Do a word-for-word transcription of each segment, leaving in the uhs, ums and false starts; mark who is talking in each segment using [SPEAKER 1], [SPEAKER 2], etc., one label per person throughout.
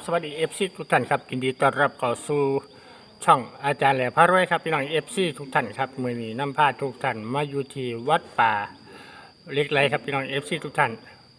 [SPEAKER 1] สวัสดีเอฟซีทุกท่านครับยินดีต้อนรับเข้าสู่ช่องอาจารย์แหล่พระรวยครับพี่น้องเอฟซีทุกท่านครับมือนี้นำพาทุกท่านมาอยู่ที่วัดป่าเล็กไรครับพี่น้องเอฟซีทุกท่าน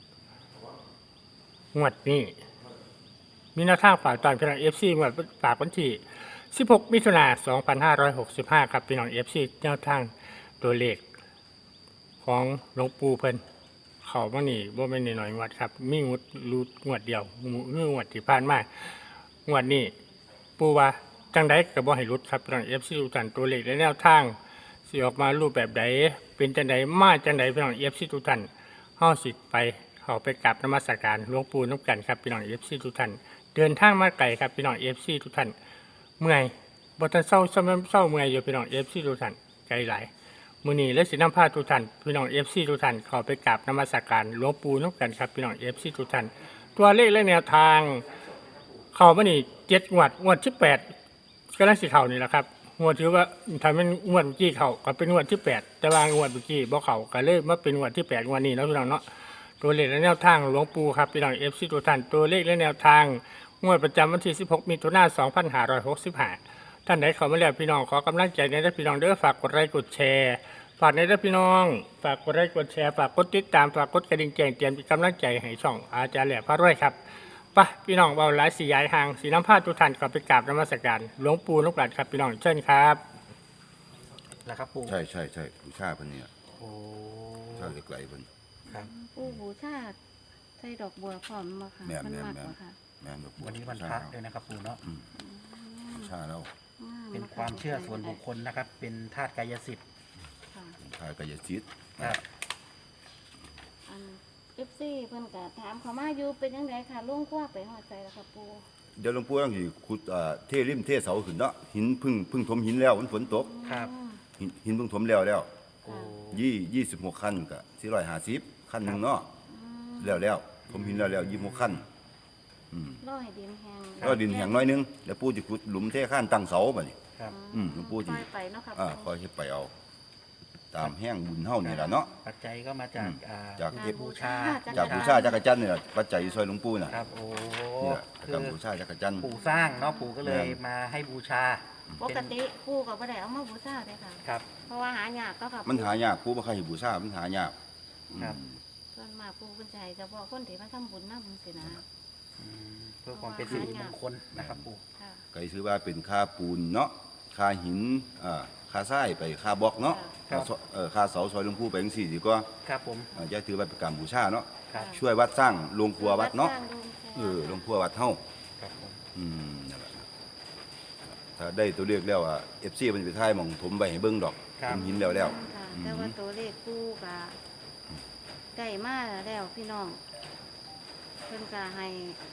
[SPEAKER 1] งวดนี้มีแนวทางฝากตอนพี่น้องเอฟซีงวดฝากวันที่สิบหกมิถุนายนสองพันห้าร้อยหกสิบห้าครับพี่น้องเอฟซีแนวทางตัวเลขของหลวงปู่เพิ่นเขามานี่บ่แม่นน้อยๆงวดครับมีงวดรูดงวดเดียวงวดที่ผ่านมางวดนี้ปู่ว่าจังไดก็บ่ให้รุดครับพี่น้อง เอฟ ซี ทุกท่านตัวเลขและแนวทางสิออกมารูปแบบใดเป็นจังไดมาจังไดพี่น้อง เอฟ ซี ทุกท่านเฮาสิไปเข้าไปกราบนมัสการหลวงปู่นำกันครับพี่น้อง เอฟ ซี ทุกท่านเดินทางมาไกลครับพี่น้อง เอฟ ซี ทุกท่านเมื่อยบ่ทันเศร้าซ้ำเศร้าเมื่อยอยู่พี่น้อง เอฟ ซี ทุกท่านไกลหลายมื้อนี้และสินำพาทุกท่านพี่น้อง เอฟ ซี ทุกท่านเข้าไปกราบนมัสการหลวงปู่นำกันครับพี่น้อง เอฟ ซี ทุกท่านตัวเลขและแนวทางเข้ามานี่เจ็ดงวดงวดที่แปดกำลังสิเข้านี่แหละครับงวดถือว่าถ้าเป็นงวดเมื่อกี้เข้าก็เป็นงวดที่แปดแต่ว่างวดเมื่อกี้บ่เข้าก็เลยมาเป็นงวดที่แปดงวดนี้เนาะพี่น้องเนาะตัวเลขและแนวทางหลวงปู่ครับพี่น้อง เอฟ ซี ทุกท่านตัวเลขและแนวทางงวดประจำวันที่สิบหกมิถุนายนสองพันห้าร้อยหกสิบห้าท่านใดเข้ามาแล้วพี่น้องขอกำลังใจในเด้อพี่น้องเด้อฝากกดไลค์กดแชร์ฝากในเด้อพี่น้องฝากกดไลค์กดแชร์ฝากกดติดตามฝากกดกระดิ่งแจ้งเตือนเป็นกำลังใจให้ช่องอาจารย์แหล่พระรวยครับไปพี่น้องเบาหลายสีย้ายห่างสีน้ำผ้าทุกท่านก็ไปกราบนมัสการหลวงปู่ลูกหลานครับพี่น้องเชิญครับ
[SPEAKER 2] แล้วครับปู่
[SPEAKER 3] ใช่ใช่ใช่บูชาเพิ่นเนี่ย
[SPEAKER 2] โอ้
[SPEAKER 3] ชาเหล็กไหลเพิ่น
[SPEAKER 2] ครับ
[SPEAKER 4] ปู่บูชาใส่ดอกบัวพร้อมมาค่ะ
[SPEAKER 3] แม่น
[SPEAKER 4] มัน
[SPEAKER 3] แม่น
[SPEAKER 4] มาก
[SPEAKER 3] แม่
[SPEAKER 4] ก
[SPEAKER 3] น
[SPEAKER 4] ว่าค่ะ
[SPEAKER 3] แม่นดอกบัว
[SPEAKER 2] วันนี้วันพระด้วยนะครับปู่เนาะ
[SPEAKER 3] อืมบูชาแล้ว
[SPEAKER 4] อืม
[SPEAKER 2] เป็นความเชื่อส่วนบุคคลนะครับ เป็นธาตุกายสิทธิ์
[SPEAKER 4] ค่ะ
[SPEAKER 3] ทายกายจิต
[SPEAKER 2] ครับ
[SPEAKER 4] อันเอฟซีเพิ่นก็ถามเขามาอยู่เป็นยังไงค่ะลุงกว่าไปหอดใจแล้วค่ะปู่
[SPEAKER 3] เดี๋ยวหลวงปู่ต้องสิขุดอ่าเทริมเทเสาขึ้นเนาะหินพึ่งพึ่งถมหินแล้วมันฝนตก
[SPEAKER 2] ครับ
[SPEAKER 4] อืม
[SPEAKER 3] หินหินเพิ่งถมแล้วแล้ว
[SPEAKER 2] โอ้
[SPEAKER 3] ยี่ยี่สิบหกขั้นก็สี่ร้อยห้าสิบขั้นหนึงเนาะแล้วแล้วถมหินแล้วแล้วยี่สิบหกขั้นอืม
[SPEAKER 4] รอให้ดินแห้ง
[SPEAKER 3] ก็ดินแห้งน้อยนึงแล้วปู่สิขุดหลุมเทข้านตั้งเสาบัดนี้
[SPEAKER 2] ครับ
[SPEAKER 3] อืมหลวงปู่สิ
[SPEAKER 4] ปล่อยไปเนาะค่ะ
[SPEAKER 3] อ่าคอยเฮ็ดไปเอา ตามแห้งบุญเฮานี่ล่ะเนาะ
[SPEAKER 2] ปัจจัยก็มาจาก
[SPEAKER 3] อืม
[SPEAKER 2] อ่า
[SPEAKER 3] จาก
[SPEAKER 2] เทพบูชา
[SPEAKER 3] จากบูชาจักรจันทร์นี่ล่ะปัจจัยซอยหลวงปู่น่ะ
[SPEAKER 2] ครับโอ้
[SPEAKER 3] นี่ล่ะ
[SPEAKER 2] คื
[SPEAKER 3] กับ
[SPEAKER 2] อ
[SPEAKER 3] บูชาจักรจันทร์
[SPEAKER 2] ปู่สร้างเนาะปู่ก็เลย
[SPEAKER 3] แม่น
[SPEAKER 2] มาให้บูชา
[SPEAKER 4] ปกติปู่ก็บ่ได้เอามาบูชาเลยค่ะ
[SPEAKER 2] ครับ
[SPEAKER 4] เพราะว่าหายากก็ค่ะ
[SPEAKER 3] มันหายากปู่บ่เคยเห็นบูชามันหายาก
[SPEAKER 2] ครับ
[SPEAKER 3] อืม
[SPEAKER 4] ส่วนมากปู่เพิ่นจะให้เฉพาะคนที่มาทำบุญนำจังซี่นะ
[SPEAKER 2] อืมเพื่อความเป็นสิริมงคลนะครับปู่
[SPEAKER 4] ค่ะ
[SPEAKER 3] ก็ถือว่าเป็นค่าปูนเนาะค่าหินอ่าค่าทรายไปค่าบล็อกเนาะ
[SPEAKER 2] ครับ
[SPEAKER 3] ค่าเอ่อค่าเสาซอยหลวงปู่ไปจังซี่ดีกว่า
[SPEAKER 2] ครับผม
[SPEAKER 3] อ่าจะถือว่าเป็นการบูชาเนาะ
[SPEAKER 2] ครับ
[SPEAKER 3] ช่วยวัดสร้างโรงครัววัดเนาะ
[SPEAKER 4] สร้งโรงครัว
[SPEAKER 3] เออโรงครัววัดเฮา
[SPEAKER 2] ครับผม
[SPEAKER 3] อืมนั่นแหละถ้าได้ตัวเลขแล้วอ่ะ เอฟ ซี มันสิไปถ่ายหม่องถมไว้ให้เบิ่งดอกถมหินแล้วแล้ว
[SPEAKER 4] ค่ะ
[SPEAKER 3] อืม
[SPEAKER 4] แต่ว่าตัวเลขปู่ก็ได้มาแล้วพี่น้องเพิ่นก็ให้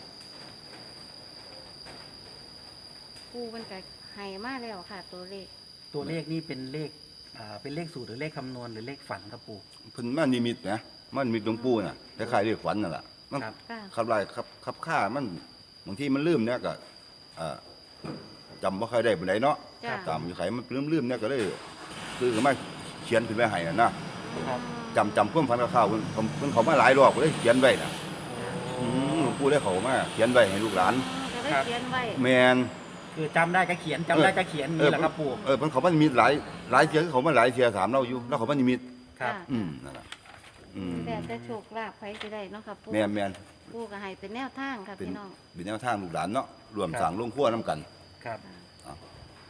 [SPEAKER 4] ปู่เพิ่นก็ให้มาแล้วค่ะ ตัวเลข
[SPEAKER 2] ตัวเลขนี่เป็นเลขอ่าเป็นเลขสูตรหรือเลขคำนวณหรือเลขฝันครับปู่
[SPEAKER 3] เพิ่นมานิมิตนะมันมีหลวงปู่น่ะคล้ายๆเรียกขวัญนั่นล่ะมัน
[SPEAKER 2] ครับ
[SPEAKER 4] ค่ะ
[SPEAKER 3] ขับไล่ขับขับค่ามันบางทีมันลืมเนี่ยก็อ่าจำบ่ค่อยได้ปานใดเนาะ
[SPEAKER 4] จ้ะ
[SPEAKER 3] ตามอยู่ไขมันลืมๆเนี่ยก็เลยคือก็มาเขียนขึ้นไว้ให้น่ะนะครับ จำจำความฝันกับข้าวเพิ่นเพิ่นเขามาหลายรอบก็เลยเขียนไว้น่ะอืมหลวงปู่ได้เขามาเขียนไว้ให้ลูกหลาน
[SPEAKER 4] จะได้เขียนไว้
[SPEAKER 3] แม่น
[SPEAKER 2] คือจำได้ก็เขียนจำได้ก็เขียนนี่แหละครับปู่
[SPEAKER 3] เออเพิ่นเขามันมีหลายหลายเที่ยเขามาหลายเที่ยถามเราอยู่แล้วเขามันมี
[SPEAKER 2] ครับ
[SPEAKER 3] อืมนั่นล่ะอืม
[SPEAKER 4] แต่แต่โชคลาภใครสิได้เนาะค่ะปู่
[SPEAKER 3] แม่นแม่น
[SPEAKER 4] ปู่ก็ให้เป็นแนวทางค่ะ
[SPEAKER 3] เป็น
[SPEAKER 4] พี่น้อง
[SPEAKER 3] เป็นแนวทางลูกหลานเนาะรวมสร้างโรงครัวนํกัน
[SPEAKER 2] ครับ
[SPEAKER 3] อ่า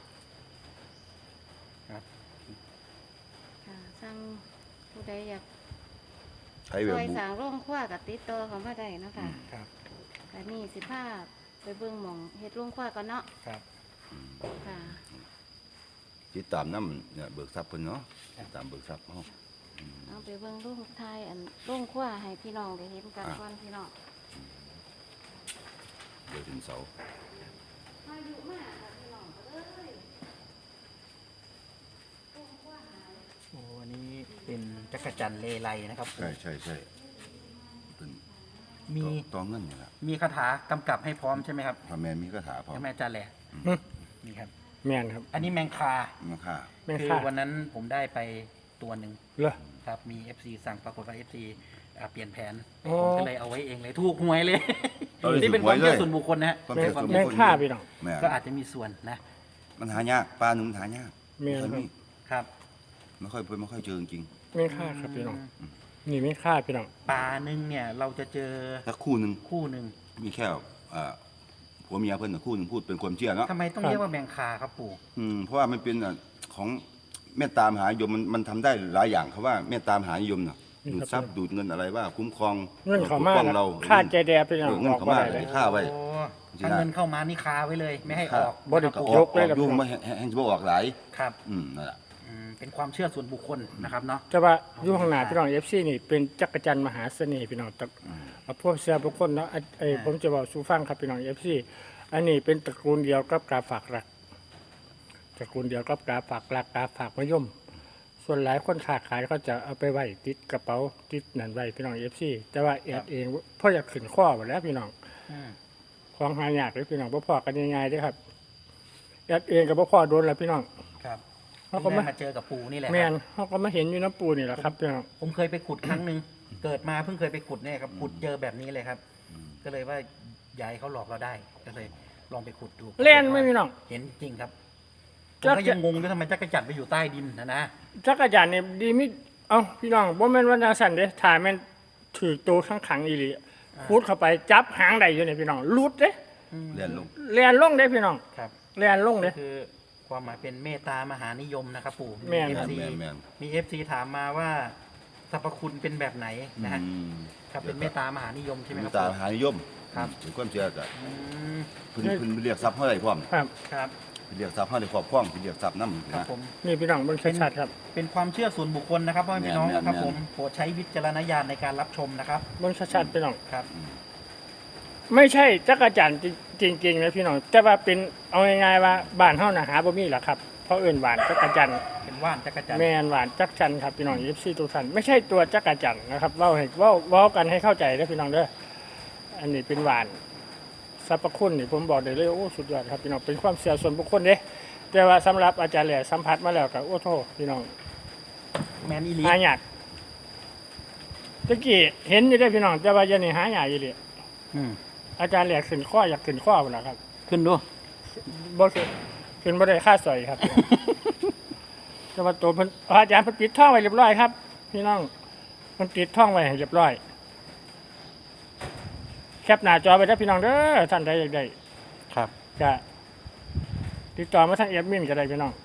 [SPEAKER 2] ครับ
[SPEAKER 4] ค่ะสร้างผู้ใดอยาก
[SPEAKER 3] ใช้
[SPEAKER 4] ซ
[SPEAKER 3] แบบ
[SPEAKER 4] อย
[SPEAKER 3] บุ
[SPEAKER 4] สร้างโรงครัวกับติดต่อเข้ามาได้เนาะค่ะ
[SPEAKER 2] ครับ
[SPEAKER 4] แต่นี่สิพาไปเบิ่งหม่องเฮ็ดโรงครัวก่อนเนาะ
[SPEAKER 2] ครับ
[SPEAKER 4] ค่ะ
[SPEAKER 3] ติดตามนำเนี่ยเบิกทรัพย์เพิ่นเนาะติดตามเบิกทรัพย์เฮา
[SPEAKER 4] เอาไปเบิ่งโรงไทยอันโรงครัวให้พี่น้องได้เห็นกันก่อนพี่น้อง
[SPEAKER 3] เดี๋ยวถึงเสาร์
[SPEAKER 4] อายุมากค่ะพี่น้องเอ้ยโรงครัวหาย
[SPEAKER 2] โอ้อันนี้เป็นจักรจันทร์เลไลนะครับปู่
[SPEAKER 3] ใช่ใช่ใช่เป็น
[SPEAKER 2] มี
[SPEAKER 3] ตองเงินนี่ล่ะ
[SPEAKER 2] มีคาถากำกับให้พร้อมใช่ไหมครับ
[SPEAKER 3] พ่อแม่มีคาถาพร้อม
[SPEAKER 2] ใช่ไหมอาจารย์แหละ
[SPEAKER 1] หึ
[SPEAKER 2] นี่ครับ
[SPEAKER 1] แม่นครับ
[SPEAKER 2] อันนี้แมงคา
[SPEAKER 3] มาค่า
[SPEAKER 1] แม่น
[SPEAKER 2] คือ
[SPEAKER 1] ค่ะ
[SPEAKER 2] วันนั้นผมได้ไปตัวหนึ่ง
[SPEAKER 1] เหรอ
[SPEAKER 2] ครับมี เอฟ ซี สั่งปรากฏว่า เอฟ ซี อ่าเปลี่ยนแผน
[SPEAKER 1] อ๋อ
[SPEAKER 2] ผมก็เลยเอาไว้เองเลยถูกหวยเลย
[SPEAKER 3] เราเลย
[SPEAKER 2] นี่
[SPEAKER 3] ถื
[SPEAKER 2] เป็น
[SPEAKER 3] อห
[SPEAKER 2] คว วาย ม
[SPEAKER 3] เล
[SPEAKER 2] เชื่อย ส่วนบุคคลนะฮะ
[SPEAKER 3] ความ
[SPEAKER 1] แม่
[SPEAKER 3] เชื่อส่วนบุ
[SPEAKER 1] แม่
[SPEAKER 3] คคล
[SPEAKER 1] ค่าพี่น้อง
[SPEAKER 3] แม่
[SPEAKER 2] ก็อาจจะมีส่วนนะ
[SPEAKER 3] มันหายากปลาหนึ่งมันหายาก
[SPEAKER 1] แม่น
[SPEAKER 3] ไม่
[SPEAKER 1] ครับ
[SPEAKER 3] มี
[SPEAKER 2] ครับ
[SPEAKER 3] ไม่ค่อยไม่ค่อยเจอจริง
[SPEAKER 1] แม่ค่าครับพี่น้องนี่แม่ค่าพี่น้อง
[SPEAKER 2] ปลาหนึ่งเนี่ยเราจะเจอ
[SPEAKER 3] ๆถ้าคู่หนึ่ง
[SPEAKER 2] คู่หนึ่ง
[SPEAKER 3] มีแค่อ่าผัวเมียเพิ่นน่ะคู่หนึ่งพูดเป็นความเชื่อเนาะ
[SPEAKER 2] ทำไมต้องเรียกว่าแมงคาครับปู่
[SPEAKER 3] อืมเพราะว่ามันเป็นอ่ะของเมตตามหานิยมมันมันทำได้หลายอย่างเขาว่าเมตตามหานิยมน่ะดูดทรัพย์ดูดเงินอะไรว่าคุ้มครอง
[SPEAKER 1] เงินเขา
[SPEAKER 3] ปก
[SPEAKER 1] มา
[SPEAKER 3] ป้อง
[SPEAKER 1] นะ
[SPEAKER 3] เรา
[SPEAKER 1] ค่าใจแดพี่น้อง
[SPEAKER 3] เออเงิน
[SPEAKER 1] ออก
[SPEAKER 3] เขา
[SPEAKER 1] บ่
[SPEAKER 3] มา
[SPEAKER 1] ได้
[SPEAKER 3] เล
[SPEAKER 1] เลย ย
[SPEAKER 3] ค่าไว้
[SPEAKER 2] โอ้ถ้าเงินเข้ามานี่คาไว้เลย ไม่ให้ออก
[SPEAKER 1] บ่ได้
[SPEAKER 2] นะครับ
[SPEAKER 3] อ
[SPEAKER 2] ปู่
[SPEAKER 3] อก
[SPEAKER 1] ยกเลย
[SPEAKER 3] อ
[SPEAKER 1] ครั
[SPEAKER 3] อบ กยุ่งไม่แห้งแห้งจะบ่ออกหลาย
[SPEAKER 2] ครับ
[SPEAKER 3] อืมนั่นแหละ
[SPEAKER 2] อืมเป็นความเชื่อส่วนบุคคลนะครับเนาะ
[SPEAKER 1] แต่ว่าอยู่ข้างหน้าพี่น้อง เอฟ ซี นี่เป็นจักรจันทร์มหาเสน่ห์พี่น้องตระเอาพวกเสือบุคคลเนาะอ่ะไอ้ผมจะบอกสู่ฟังครับพี่น้อง เอฟ ซี อันนี้เป็นตระกูลเดียวกับกาฝากรักตระกูลเดียวกับกาฝากรักกาฝากมะยม ส่วนหลายคนค้าขายเขาจะเอาไปไว้ติดกระเป๋าติดนั่นไว้พี่น้อง เอฟ ซี แต่ว่าแอดเองพ่ออยากขึ้นข้อหมดแล้วพี่น้อง
[SPEAKER 2] อืม
[SPEAKER 1] ของหายากเลยพี่น้องบ่พอกันง่ายๆเด้อครับแอดเองกับบ่พอโดนแล้วพี่น้อง
[SPEAKER 2] ครับ
[SPEAKER 1] เขาก็
[SPEAKER 2] เพิ่ง
[SPEAKER 1] มา
[SPEAKER 2] ได้มาเจอกับปู่นี่แหละ
[SPEAKER 1] แม่
[SPEAKER 2] ครับ
[SPEAKER 1] นเขาก็มาเห็นอยู่น้ำปูนี่แหละครับพี่น้อง
[SPEAKER 2] ผมเคยไปขุดครั้งหนึ่งเกิดมาเพิ่งเคยไปขุดเนี่ยครับขุดเจอแบบนี้เลยครับ ก็เลยว่าอยายเขาหลอกเราได้ก็เลยลองไปขุดดู
[SPEAKER 1] เล่นไหม่พี่น้อง
[SPEAKER 2] เห็นจริงครับผ
[SPEAKER 1] จั
[SPEAKER 2] ม
[SPEAKER 1] กร
[SPEAKER 2] ก็ยังงงด้วยทำไมจักรจันทร์ไปอยู่ใต้ดินนะนะ
[SPEAKER 1] จักรยานเนี่ยดีมิเอ้าพี่น้องบ่แม่นว่าจังซั่นเด้ถ่ายแม่นถือตัวข้างขังอีหลีพูดเข้าไปจับหางได้อยู่นี่พี่น้องลุดเด้
[SPEAKER 3] เรียนลง
[SPEAKER 1] แล่นลงเด้พี่น้อง
[SPEAKER 2] ครับ
[SPEAKER 1] แล่นลง
[SPEAKER 2] ก็
[SPEAKER 1] เด้
[SPEAKER 2] คือความหมายเป็นเมตตามหานิยมนะครับปู่
[SPEAKER 1] แม่น
[SPEAKER 2] เอ
[SPEAKER 3] แม
[SPEAKER 2] ฟ
[SPEAKER 3] น
[SPEAKER 2] ซี
[SPEAKER 3] แมนแมน
[SPEAKER 2] มีเอฟซีถามมาว่าสรรพคุณเป็นแบบไหนนะฮะ
[SPEAKER 3] อืม
[SPEAKER 2] ครับเป็นเมตตามหานิยมใช่ไหม
[SPEAKER 3] เม
[SPEAKER 2] ครั
[SPEAKER 3] ต
[SPEAKER 2] บ
[SPEAKER 3] ตา
[SPEAKER 2] ปู่
[SPEAKER 3] หานิยม
[SPEAKER 2] ครับ
[SPEAKER 3] เป็นความเชื่อก็
[SPEAKER 2] อืม
[SPEAKER 3] เพิ่นเพิ่นเรียกทรัพย์เท่าไหร่พร้อม
[SPEAKER 1] ครับ
[SPEAKER 2] ครับ
[SPEAKER 3] เพิ่นเรียกทรัพย์เท่าไหร่ครอบครองเพิ่นเรียกทรัพย์นำ
[SPEAKER 2] ครับ
[SPEAKER 3] นะ
[SPEAKER 2] ผม
[SPEAKER 1] นี่พี่น้องเบิ่งชัดๆครับ
[SPEAKER 2] เป็นความเชื่อส่วนบุคคลนะครับพ่อแม่พี่น้อง
[SPEAKER 3] แม่นๆ
[SPEAKER 2] นะครับผมโปรดใช้วิจารณญาณในการรับชมนะครับ
[SPEAKER 1] เบิ่งชัดๆพี่น้อง
[SPEAKER 2] ครับ
[SPEAKER 1] ไม่ใช่จักรจันทร์จริงๆนะพี่น้องแต่ว่าเป็นเอาง่ายๆว่าบ้านเฮาน่ะหาบ่มีหรอกครับเพราะเอิ้นหวานจักรจันทร์
[SPEAKER 2] เป็นว่านจักรจันทร์
[SPEAKER 1] แม่นหวานจักรจันทร์ครับพี่น้อง เอฟ ซี ทุกท่านไม่ใช่ตัวจักรจันทร์นะครับเว้าให้เว้าเว้ากันให้เข้าใจเด้อพี่น้องเด้ออันนี้เป็นหวานสรรพคุณนี่ผมบอกได้เลยโอ้สุดยอดครับพี่น้องเป็นความเชื่อส่วนบุคคลเด้แต่ว่าสำหรับอาจารย์แหล่สัมผัสมาแล้วก็โอ้โทพี่น้อง
[SPEAKER 2] แมนอีลี
[SPEAKER 1] หายากตะกี้เห็นอยู่ได้อพี่น้องแต่ว่าเดี๋ยวนี้หายากอยู่เลย
[SPEAKER 2] อืม
[SPEAKER 1] อาจารย์แหล่ขึ้นข้ออยากขึ้นข้อพุ่นล่ะครับ
[SPEAKER 2] ขึ้นดู
[SPEAKER 1] บ่ขึ้นขึ้นบ่ได้ค่าสอยครับ แต่ว่าตัวเพิ่นอาจารย์เพิ่นปิดท่องไว้เรียบร้อยครับ พี่น้องเพิ่นปิดท่องไว้ให้เรียบร้อยแคปหน้าจอไปได้อพี่น้องเด้อท่านใดอยากได้
[SPEAKER 2] ครับ
[SPEAKER 1] ก็ติดต่อมาทางแอดมินก็ได้พี่น้อง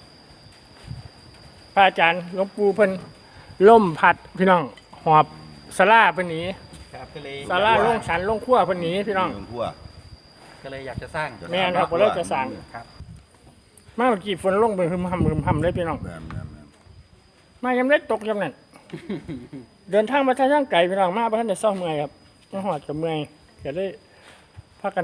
[SPEAKER 1] พระอาจารย์หลวงปู่เพิ่นล่มพัดพี่น้องหอบสลาเพิ่นหนี
[SPEAKER 2] ครับก็เลย
[SPEAKER 1] สลาลงสันลงขั้วเพิ่นหนีพี่น้อง
[SPEAKER 3] เมืพัว
[SPEAKER 2] ก็เลยอยากจะสร้าง
[SPEAKER 1] แม่นครับบ่เลยจะสั่ง
[SPEAKER 2] ครับ
[SPEAKER 1] มาเมื่อกี้ฝนลงเบิ่งหึมหำหึมหำเลยพี่น้อง
[SPEAKER 3] แม่นแม่นแม่น
[SPEAKER 1] มายามเล็กตกยามนั้น เดินทางมาทางไกลพี่น้องมาบ่ทันได้เศร้าเมื่อยครับมาหอดกับเมื่อยก็เลยพากัน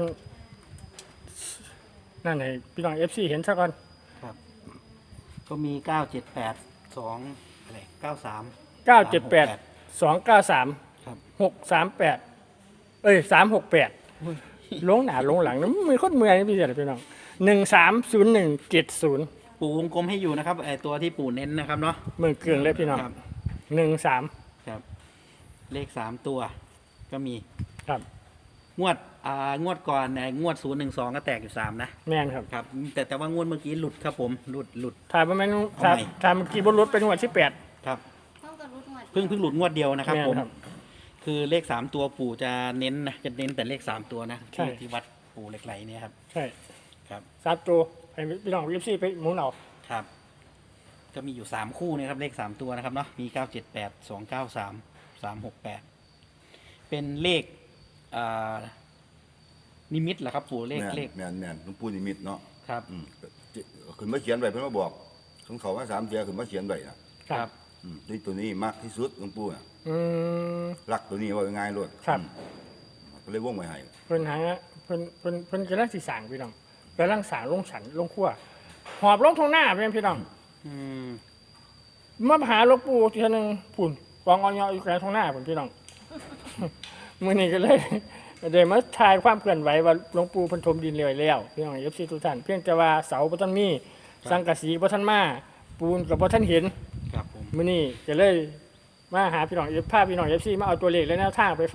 [SPEAKER 1] นั่นให้พี่น้อง เอฟ ซี เห็นซะก่อน
[SPEAKER 2] ครับก็มีเก้าเจ็ดแปดสองอะไรเก้าสาม
[SPEAKER 1] เก้าเจ็ดแปด สองเก้าสาม
[SPEAKER 2] ครับ
[SPEAKER 1] หกสามแปดเอ้ยสามหกแปดลงหน้าลงหลังนะมือคนเมื่อยนี่พี่เจ้าพี่น้องหนึ่งสามศูนย์หนึ่งเจ็ดศูนย์
[SPEAKER 2] ปู่วงกลมให้อยู่นะครับไอตัวที่ปู่เน้นนะครับเนาะ
[SPEAKER 1] มือเกลืองเลยพี่น้อง
[SPEAKER 2] ครับ
[SPEAKER 1] หนึ่งสาม
[SPEAKER 2] ครับ เลขสามตัว ก็มี
[SPEAKER 1] ครับ
[SPEAKER 2] งวดอ่างวดก่อนเนี่ยงวดศูนย์หนึ่งสองก็แตกอยู่สามนะ
[SPEAKER 1] แม่นครับ
[SPEAKER 2] ครับ แต่แต่ว่างวดเมื่อกี้หลุดครับผมหลุดหลุด
[SPEAKER 1] ถ่ายประมาณ
[SPEAKER 2] เอา
[SPEAKER 1] ถ่าย
[SPEAKER 2] ใหม่
[SPEAKER 1] ถ่ายเมื่อกี้บนรถเป็นวันที่แปด
[SPEAKER 2] ครับ
[SPEAKER 4] ต้องกระรุดหมด
[SPEAKER 2] เพิ่งเพิ่งหลุดงวดเดียวนะครับ
[SPEAKER 1] แม่น
[SPEAKER 2] ผม
[SPEAKER 1] ครับ
[SPEAKER 2] คือเลขสามตัวปู่จะเน้นนะจะเน้นแต่เลขสามตัวนะ
[SPEAKER 1] ใช่
[SPEAKER 2] ที่ที่วัดปู่เหล็กไหลเนี่ยครับ
[SPEAKER 1] ใช่
[SPEAKER 2] ครับ
[SPEAKER 1] สามตัวให้พี่น้อง เอฟ ซี ไปหมุนเอา
[SPEAKER 2] ครับ ก็มีอยู่สามคู่นะครับเลขสามตัวนะครับเนาะมีเก้าเจ็ดแปดสองเก้าสามสามหกแปดเป็นเลขอ่านิมิตเหรอครับปู่เลข
[SPEAKER 3] แม่น
[SPEAKER 2] เลข
[SPEAKER 3] แม่นแม่นหลวงปู่นิมิตเนาะ
[SPEAKER 2] ครับ
[SPEAKER 3] อืมขึ้นมาเขียนไว้เพิ่นมาบอกของเขาว่าสามเทียขึ้นมาเขียนไว้น่ะ
[SPEAKER 2] ครับ
[SPEAKER 3] อืมนี่ตัวนี้มากที่สุดหลวงปู่น่ะ
[SPEAKER 1] อืม
[SPEAKER 3] รักตัวนี้ว่าง่ายๆโลด
[SPEAKER 1] ครับ
[SPEAKER 3] อืมก็เลยวงไว้ให้
[SPEAKER 1] เพิ่นหาเพิ่นเพิ่นเพิ่นกำลังสิสร้างพี่น้องกำลังสร้างลงสันลงขั้วหอบลงทางหน้าเพียงพี่น้อง
[SPEAKER 2] อืม
[SPEAKER 1] มาหาหลวงปู่ทีนึงปุ่นกองออยอยู่กลางทางหน้าผมพี่น้อง มื้อนี้ก็เลยได้มาถ่ายความเคลื่อนไหวว่าหลวงปู่เพิ่นถมดินเลยแล้วพี่น้อง เอฟ ซี ทุกท่านเพียงแต่ว่าเสาบ่ทันมีสังกะสีบ่ทันมาปูนก็บ่ทันเห็น
[SPEAKER 2] ครับผม
[SPEAKER 1] มื้อนี้ก็เลยมาหาพี่น้องเอฟพาพี่น้อง เอฟ ซี มาเอาตัวเลขและแนวทางไปฝาก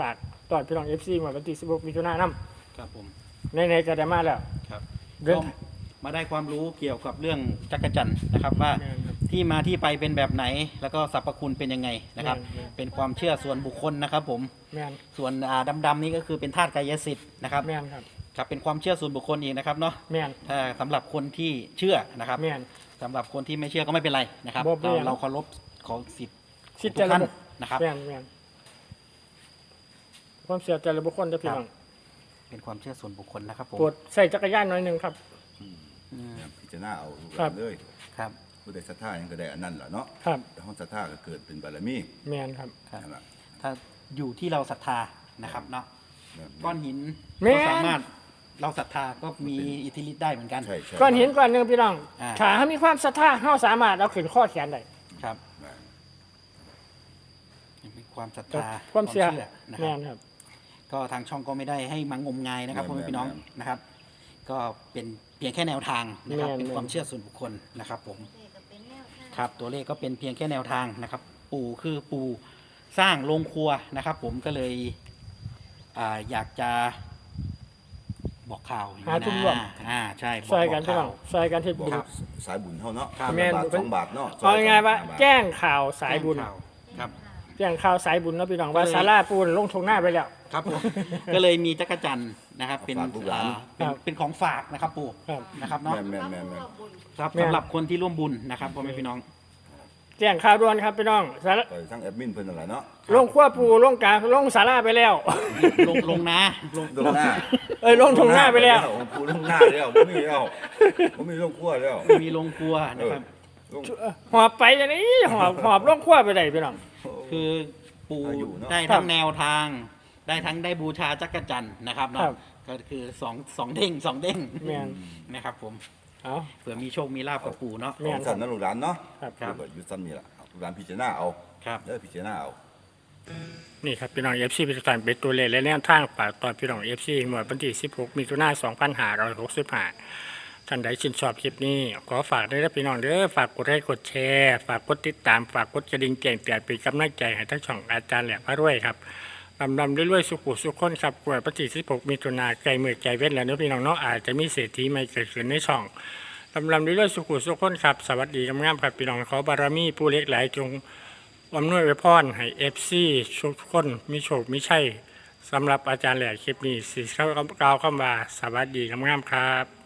[SPEAKER 1] ตอนพี่น้อง เอฟ ซี มาวันที่สิบหกมิถุนายน
[SPEAKER 2] ครับผม
[SPEAKER 1] ในๆก็ได้มาแล้ว
[SPEAKER 2] ครับ
[SPEAKER 1] เดิน
[SPEAKER 2] ก็มาได้ความรู้เกี่ยวกับเรื่องจักรจันทร์นะครับว่า
[SPEAKER 1] แม่นครับ
[SPEAKER 2] ที่มาที่ไปเป็นแบบไหน แล้วก็สรรพคุณเป็นยังไงนะครับ
[SPEAKER 1] แม่น
[SPEAKER 2] เป็นความเชื่อส่วนบุคคลนะครับผม
[SPEAKER 1] แม่น
[SPEAKER 2] ส่วนอ่าดำๆนี่ก็คือเป็นธาตุกายสิทธิ์นะครับ
[SPEAKER 1] แม่นครับ
[SPEAKER 2] ครับเป็นความเชื่อส่วนบุคคลอีกนะครับเนาะ
[SPEAKER 1] แม่น
[SPEAKER 2] ถ้าสำหรับคนที่เชื่อนะครับ
[SPEAKER 1] แม่น
[SPEAKER 2] สำหรับคนที่ไม่เชื่อก็ไม่เป็นไรนะครับ
[SPEAKER 1] บ่เป็น
[SPEAKER 2] เรา
[SPEAKER 1] ไร
[SPEAKER 2] เราเคารพของสิทธิ์
[SPEAKER 1] สิทธิ์
[SPEAKER 2] ทุกท่าน
[SPEAKER 1] แต่ละบุค
[SPEAKER 2] นะครับ
[SPEAKER 1] แม่นแม่นความเสียแต่ละบุคคลเด้อพี่น้อง
[SPEAKER 2] เป็นความเชื่อส่วนบุคคลนะครับผม
[SPEAKER 1] โปรดใส่จักรยานหน่อยหนึงครับ
[SPEAKER 2] อืม
[SPEAKER 3] พิจารณาเอาลูกห
[SPEAKER 1] ครั
[SPEAKER 3] ลา
[SPEAKER 1] บ
[SPEAKER 3] นเลย
[SPEAKER 2] ครับ
[SPEAKER 3] ผู้ใดศรัทธาหยังก็ได้อันนั้นล่ะเนาะ
[SPEAKER 1] ครับ
[SPEAKER 3] แต่ห้องศรัทธาก็เกิดเป็นบารมี
[SPEAKER 1] แม่นครับ
[SPEAKER 2] ครับ
[SPEAKER 3] นั่นล่ะ
[SPEAKER 2] ถ้าอยู่ที่เราศรัทธานะครับเนาะ
[SPEAKER 3] แบบ
[SPEAKER 2] ก้อนหิน
[SPEAKER 1] แม่น
[SPEAKER 2] ก็สามารถเราศรัทธาก็มีอิทธิฤทธิ์ได้เหมือนกัน
[SPEAKER 3] ใช่ใช่
[SPEAKER 1] ก้อนหินก้อนหนึงพี่น้อง
[SPEAKER 2] อ่า
[SPEAKER 1] ถ้าเฮามีความศรัทธาเฮาสามารถเอาขึ้นข้อแขนได้
[SPEAKER 2] ครับ
[SPEAKER 3] แม่น
[SPEAKER 2] มีความศรัท
[SPEAKER 1] แต่
[SPEAKER 2] ธา
[SPEAKER 1] ความเชื่อ
[SPEAKER 2] นะค
[SPEAKER 1] แม่
[SPEAKER 2] รับ
[SPEAKER 1] นครับ
[SPEAKER 2] ก็ทางช่องก็ไม่ได้ให้มังงมงายนะครับพ่อแม่พี่น้องนะครับ ก็เป็นเพียงแค่แนวทางนะครับ
[SPEAKER 1] แม่น
[SPEAKER 2] เป็นความเชื่อส่วนบุคคลนะครับผม
[SPEAKER 4] เลขก็เป็นแนวทาง
[SPEAKER 2] ครับตัวเลขก็เป็นเพียงแค่แนวทางนะครับ ปู่คือปู่สร้างโรงครัวนะครับ ผมก็เลยอ่าอยากจะบอกข่าวอย่ง
[SPEAKER 1] หา
[SPEAKER 2] นี้
[SPEAKER 1] ทุนร่วม
[SPEAKER 2] นะอ่าใช่บอก
[SPEAKER 1] ใส่กัน
[SPEAKER 2] บ
[SPEAKER 1] พี่
[SPEAKER 2] ข่า
[SPEAKER 1] น้อ
[SPEAKER 2] ว
[SPEAKER 1] งใส่กันเฮ็ด
[SPEAKER 3] บอก
[SPEAKER 1] บุญ
[SPEAKER 3] สายบุญเฮาเนาะ
[SPEAKER 2] ครับ
[SPEAKER 3] คน
[SPEAKER 1] แม่
[SPEAKER 3] ละ
[SPEAKER 1] น
[SPEAKER 3] บาทสองบาทเนาะ
[SPEAKER 1] เอาง่ายๆว่า
[SPEAKER 3] ห้บท
[SPEAKER 1] แจ้งข่าวสายบุญ
[SPEAKER 2] ข่าวครับ
[SPEAKER 1] แจ้งข่าวสายบุญเนาะพี่น้องว่า
[SPEAKER 2] ก็เลย
[SPEAKER 1] ศาลาปูนลงทงหน้าไปแล้ว
[SPEAKER 2] ครับผม ก็เลยมีจักรจันทร์นะครับ เป็น
[SPEAKER 3] ฝากลูกหลาน
[SPEAKER 2] อ่าเป็น
[SPEAKER 1] ครับ
[SPEAKER 2] เป็นของฝากนะครับปู่
[SPEAKER 1] ครับ
[SPEAKER 2] นะครับเนาะ
[SPEAKER 3] แม่นแม่นแม่นแม่น
[SPEAKER 2] ครับ
[SPEAKER 1] แม่น
[SPEAKER 2] สำหรับคนที่ร่วมบุญนะครับพ่อแม่พี่น้อง
[SPEAKER 1] แจ้งข่าวด่วนครับพี่น้องศาลา
[SPEAKER 3] ไปทั้งแอดมินเพิ่นนั่นแหละเนาะ
[SPEAKER 1] ลงขั้วปูลงกลางลงศาลาไปแล้ว
[SPEAKER 2] ลงลงนะลง
[SPEAKER 3] ลงหน้า
[SPEAKER 1] เอ้ยลงทงหน้าไปแล้ว
[SPEAKER 3] ผมพูดลงหน้าแล้วบ่มีแล้วบ่มีลงครัวแล้ว
[SPEAKER 2] มีลงครัวนะครับ
[SPEAKER 3] ลง
[SPEAKER 1] หอบไปอย่างนี้หอบหอบลงขั้วไปได้พี่น้อง
[SPEAKER 2] คือปู่
[SPEAKER 3] อายุเนอะ
[SPEAKER 2] ได้ทั้งแนวทาง ได้ทั้งได้บูชาจักรจันทร์นะครับ
[SPEAKER 1] ครั
[SPEAKER 2] เนาะ
[SPEAKER 1] บ
[SPEAKER 2] ก็คือสองสองเด้งสองเด้ง
[SPEAKER 1] แม่น
[SPEAKER 2] นะครับผม
[SPEAKER 1] เอา
[SPEAKER 2] เผื่อมีโชคมีลาภกับปู่เนาะ
[SPEAKER 1] แม่
[SPEAKER 3] ของสั่นนะลูกหลานเนาะ
[SPEAKER 1] ครับ
[SPEAKER 2] ครับ
[SPEAKER 3] ลูกอยู่ซ้ำนี่ล่ะลูกหลานพิจารณาเอา
[SPEAKER 2] ครับ
[SPEAKER 3] เด้อพิจารณาเอา
[SPEAKER 1] นี่ครับพี่น้อง เอฟ ซี พิจารณาเป็นตัวเลขและแนวทางฝากตอนพี่น้อง เอฟ ซี หมวดวันที่สิบหกมิถุนายนสองพันห้าร้อยหกสิบห้าท่านใดชื่นชอบคลิปนี้ ขอฝากด้วยนะพี่น้องเด้อฝากกดไลค์กดแชร์ฝากกดติดตามฝากกดกระดิ่งแจ้งเตือนเป็นกำลังใจให้ทั้งช่องอาจารย์แหลมพระรวยครับลำลำด้วยๆสุขุสุขคนครับกวดวันที่สิบหกมิถุนายนไกลมือไกลเว้นแล้วเนาะพี่น้องเนาะอาจจะมีเศรษฐีใหม่เกิดขึ้นในช่องลำลำด้วยๆสุขุสุขคนครับสวัสดีงามๆครับพี่น้องขอบารมีผู้เล็กหลายจงอำนวยไว้พรให้เอฟซีทุกคนมีโชคมีชัยสำหรับอาจารย์แหลมคลิปนี้สิเข้ากล่าวคำว่าสวัสดีงามๆครับ